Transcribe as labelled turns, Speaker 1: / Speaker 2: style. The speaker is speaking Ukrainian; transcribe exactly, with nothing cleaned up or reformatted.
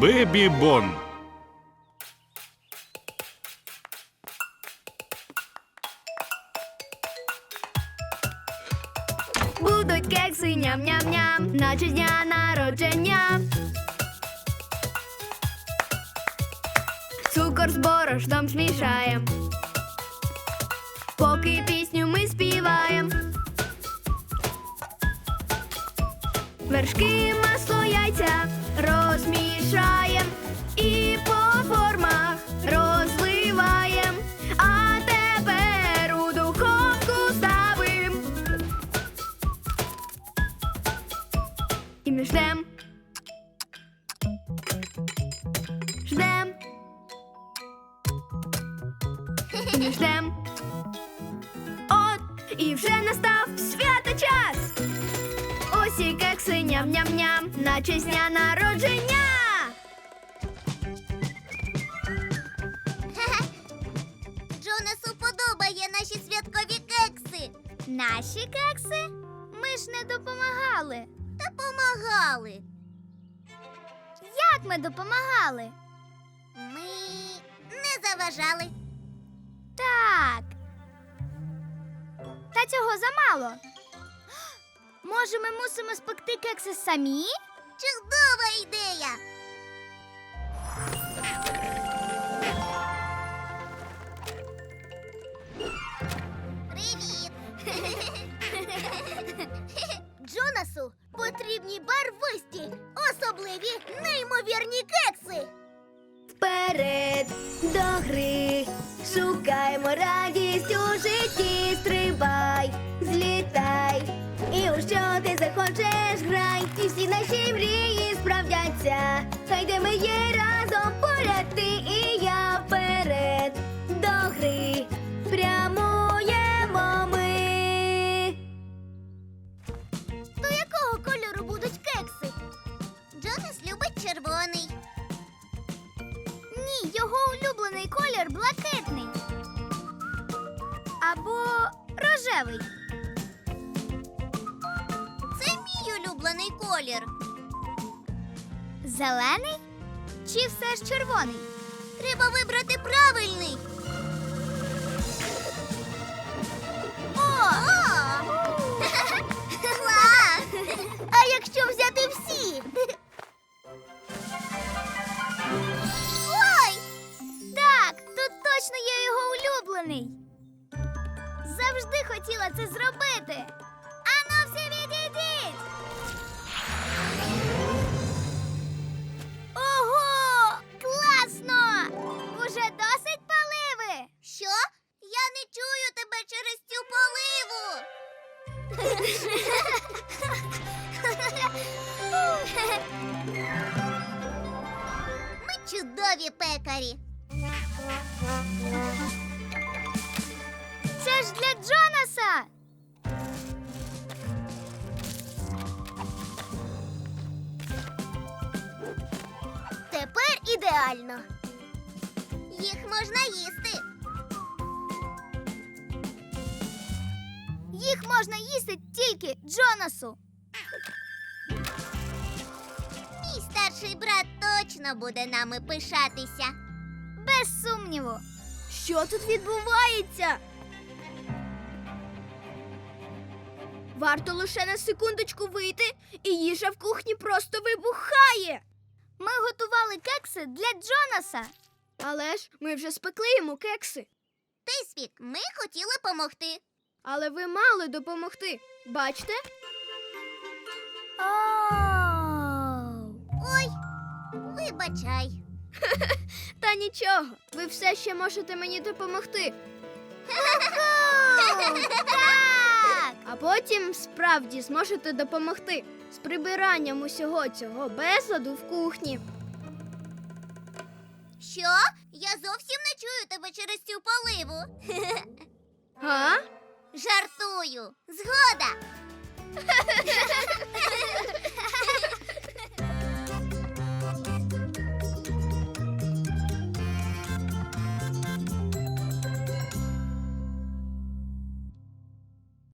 Speaker 1: Бебі Бон.
Speaker 2: Будуть кекси ням-ням-ням, наче з дня народження. Цукор з борошном змішаєм, поки пісню ми співаєм. Вершки, масло, яйця розмішаєм і по формах розливаєм. А тепер у духовку ставим. І ми ждем. Ждем. І ми ждем. От, і вже настав свято час. Ось і кекси ням-ням-ням, наче з дня народження.
Speaker 3: Джонасу подобає наші святкові кекси.
Speaker 4: Наші кекси? Ми ж не допомагали.
Speaker 3: Та помагали.
Speaker 4: Як ми допомагали?
Speaker 3: Ми не заважали.
Speaker 4: Так. Та цього замало. Може, ми мусимо спекти кекси самі?
Speaker 3: Чудова ідея. Привіт. Джонасу потрібні барвисті, особливі, неймовірні кекси.
Speaker 2: Вперед до гри, шукаймо радість у житті, стрибай, злітай, і у що ти захочеш, грай, і всі наші мрії справдяться, хай де ми є разом, поряд ти і я, вперед до гри, прямуємо ми.
Speaker 3: То якого кольору будуть кекси? Джонас любить червоний.
Speaker 4: Ні, його улюблений колір блакитний. Або рожевий.
Speaker 3: Це мій улюблений колір.
Speaker 4: Зелений? Чи все ж червоний?
Speaker 3: Треба вибрати правильний. О! Клас! А якщо взяти всі? Ой!
Speaker 4: Так, тут точно є його улюблений. Завжди хотіла це зробити. Ану, всі відійдіть! Ого! Класно! Уже досить поливи!
Speaker 3: Що? Я не чую тебе через цю поливу. Ми чудові пекарі.
Speaker 4: Це ж для Джонаса!
Speaker 3: Тепер ідеально. Їх можна їсти.
Speaker 4: Їх можна їсти тільки Джонасу.
Speaker 3: Мій старший брат точно буде нами пишатися.
Speaker 4: Без сумніву.
Speaker 2: Що тут відбувається? Варто лише на секундочку вийти, і їжа в кухні просто вибухає.
Speaker 4: Ми готували кекси для Джонаса.
Speaker 2: Але ж ми вже спекли йому кекси.
Speaker 3: Тейсвік, ми хотіли помогти.
Speaker 2: Але ви мали допомогти. Бачте?
Speaker 4: Оу.
Speaker 3: Ой, вибачай.
Speaker 2: Та нічого, ви все ще можете мені допомогти.
Speaker 4: Так!
Speaker 2: А потім справді зможете допомогти з прибиранням усього цього безладу в кухні.
Speaker 3: Що? Я зовсім не чую тебе через цю поливу.
Speaker 2: Га?
Speaker 3: Жартую. Згода.